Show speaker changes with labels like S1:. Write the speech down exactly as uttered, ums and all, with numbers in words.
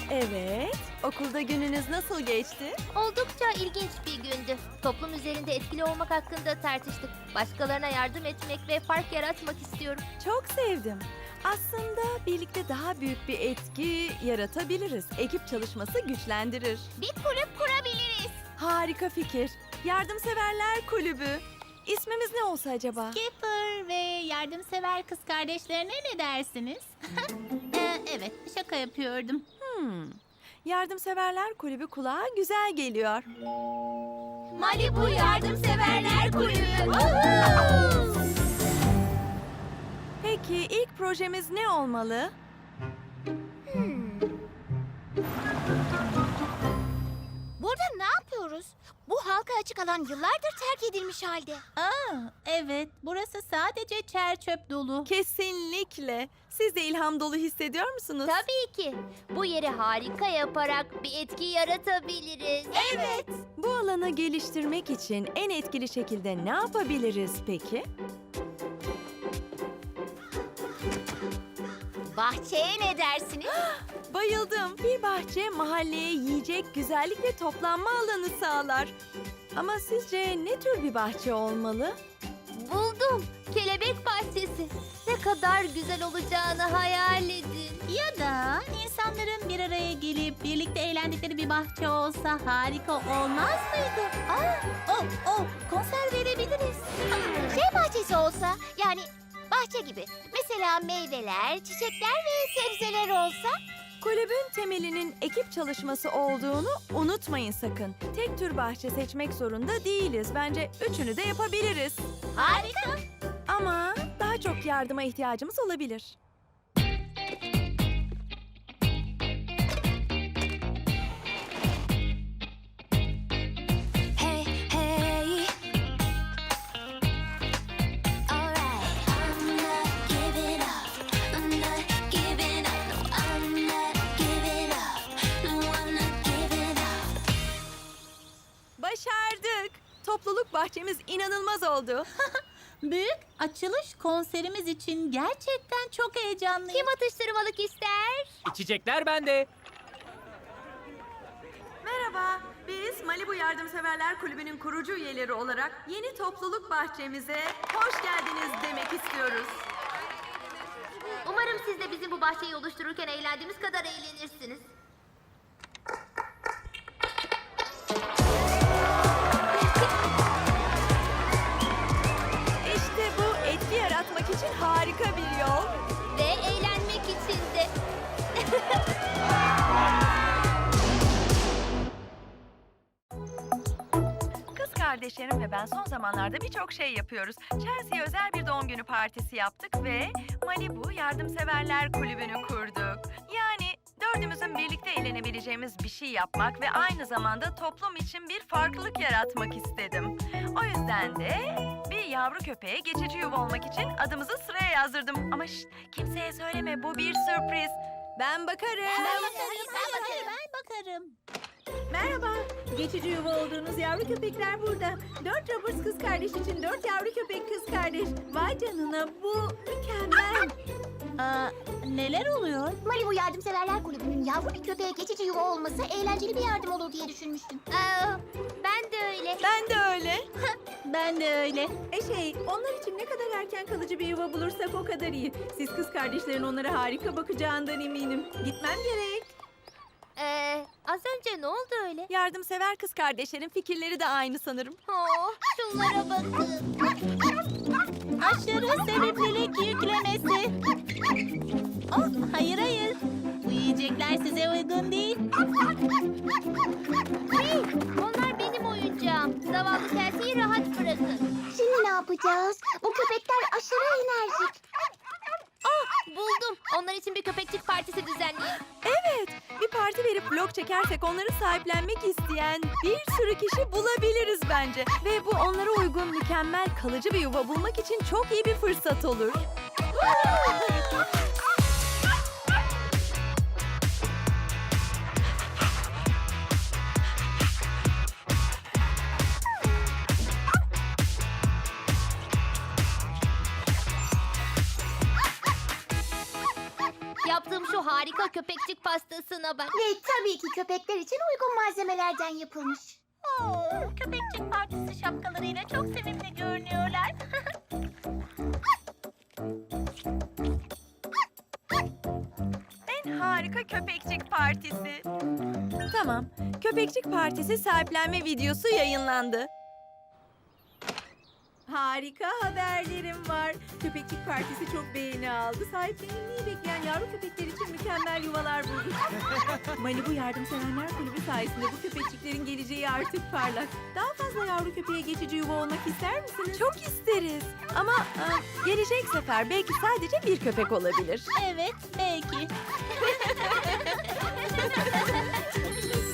S1: Evet, okulda gününüz nasıl geçti?
S2: Oldukça ilginç bir gündü. Toplum üzerinde etkili olmak hakkında tartıştık. Başkalarına yardım etmek ve fark yaratmak istiyorum.
S1: Çok sevdim. Aslında birlikte daha büyük bir etki yaratabiliriz. Ekip çalışması güçlendirir.
S2: Bir kulüp kurabiliriz.
S1: Harika fikir. Yardımseverler Kulübü. İsmimiz ne olsa acaba?
S3: Skipper ve yardımsever kız kardeşlerine ne dersiniz? Ee, evet, şaka yapıyordum.
S1: Hmm. Yardımseverler Kulübü kulağa güzel geliyor.
S2: Malibu Yardımseverler Kulübü.
S1: Peki ilk projemiz ne olmalı?
S2: Burada ne yapıyoruz? Bu halka açık alan yıllardır terk edilmiş halde.
S3: Aa, evet, burası sadece çer çöp dolu.
S1: Kesinlikle. Siz de ilham dolu hissediyor musunuz?
S2: Tabii ki. Bu yeri harika yaparak bir etki yaratabiliriz. Evet.
S1: Bu alanı geliştirmek için en etkili şekilde ne yapabiliriz peki?
S2: Bahçeye ne dersiniz?
S1: Bayıldım. Bir bahçe mahalleye yiyecek, güzellik ve toplanma alanı sağlar. Ama sizce ne tür bir bahçe olmalı?
S2: Buldum. Kelebek bahçesi. Ne kadar güzel olacağını hayal edin.
S3: Ya da insanların bir araya gelip birlikte eğlendikleri bir bahçe olsa harika olmaz mıydı? Aa, oh, oh, konser verebiliriz.
S2: Şey bahçesi olsa, yani bahçe gibi. Mesela meyveler, çiçekler ve sebzeler olsa.
S1: Kulübün temelinin ekip çalışması olduğunu unutmayın sakın. Tek tür bahçe seçmek zorunda değiliz. Bence üçünü de yapabiliriz.
S2: Harika.
S1: Ama daha çok yardıma ihtiyacımız olabilir.
S4: Hey, hey. Alright, I'm not giving up. I'm not giving up. No, I'm not giving up. No, I'm not giving up.
S1: Başardık. Topluluk bahçemiz inanılmaz oldu.
S3: Büyük açılış konserimiz için gerçekten çok heyecanlıyım.
S2: Kim atıştırmalık ister?
S5: İçecekler bende.
S1: Merhaba, biz Malibu Yardımseverler Kulübü'nün kurucu üyeleri olarak yeni topluluk bahçemize hoş geldiniz demek istiyoruz.
S2: Umarım siz de bizim bu bahçeyi oluştururken eğlendiğimiz kadar eğlenirsiniz.
S1: İşte bu etki yaratmak için harika bir yol.
S2: Ve eğlenmek için de.
S1: Kız kardeşlerim ve ben son zamanlarda birçok şey yapıyoruz. Chelsea'ye özel bir doğum günü partisi yaptık ve Malibu Yardımseverler Kulübü'nü kurduk. Yani dördümüzün birlikte eğlenebileceğimiz bir şey yapmak ve aynı zamanda toplum için bir farklılık yaratmak istedim. O yüzden de bir yavru köpeğe geçici yuva olmak için adımızı sıraya yazdırdım. Ama şşt, kimseye söyleme, bu bir sürpriz. Ben bakarım.
S3: Ben bakarım, ben bakarım. Ben bakarım.
S6: Merhaba. Geçici yuva olduğunuz yavru köpekler burada. Dört Roberts kız kardeş için dört yavru köpek kız kardeş. Vay canına, bu mükemmel.
S3: Aa, neler oluyor?
S7: Malibu Yardımseverler Kulübü'nün yavru bir köpeğe geçici yuva olması eğlenceli bir yardım olur diye düşünmüştüm.
S2: Aa, ben de öyle.
S1: Ben de öyle.
S3: Ben de öyle.
S6: E şey, onlar için ne kadar erken kalıcı bir yuva bulursak o kadar iyi. Siz kız kardeşlerin onlara harika bakacağından eminim. Gitmem gerek.
S2: Ee, az önce ne oldu öyle?
S1: Yardımsever kız kardeşlerin fikirleri de aynı sanırım.
S2: Oh, şunlara bakın.
S3: Aşırı sevimlilik yüklemesi. Oh, hayır hayır. Bu yiyecekler size uygun değil.
S2: Hey, onlar benim oyuncağım. Zavallı Chelsea'yi rahat bırakın.
S7: Şimdi ne yapacağız? Bu köpekler aşırı enerjik.
S2: Ah, buldum. Onlar için bir köpekçik partisi düzenleyelim.
S1: Evet, bir parti verip vlog çekersek onları sahiplenmek isteyen bir sürü kişi bulabiliriz bence. Ve bu onlara uygun mükemmel kalıcı bir yuva bulmak için çok iyi bir fırsat olur.
S2: Yaptığım şu harika köpekçik pastasına bak.
S7: Ve tabii ki köpekler için uygun malzemelerden yapılmış.
S3: Oo, köpekçik partisi şapkalarıyla çok sevimli görünüyorlar.
S1: En harika köpekçik partisi.
S6: Tamam. Köpekçik Partisi sahiplenme videosu yayınlandı. Harika haberlerim var. Köpekçik Partisi çok beğeni aldı. Sahiplenilmeyi bekleyen yavru köpekler için mükemmel yuvalar bulduk. Malibu Yardımseverler Kulübü sayesinde bu köpekçiklerin geleceği artık parlak. Daha fazla yavru köpeğe geçici yuva olmak ister misiniz? Çok isteriz. Ama e, gelecek sefer belki sadece bir köpek olabilir.
S3: Evet, belki.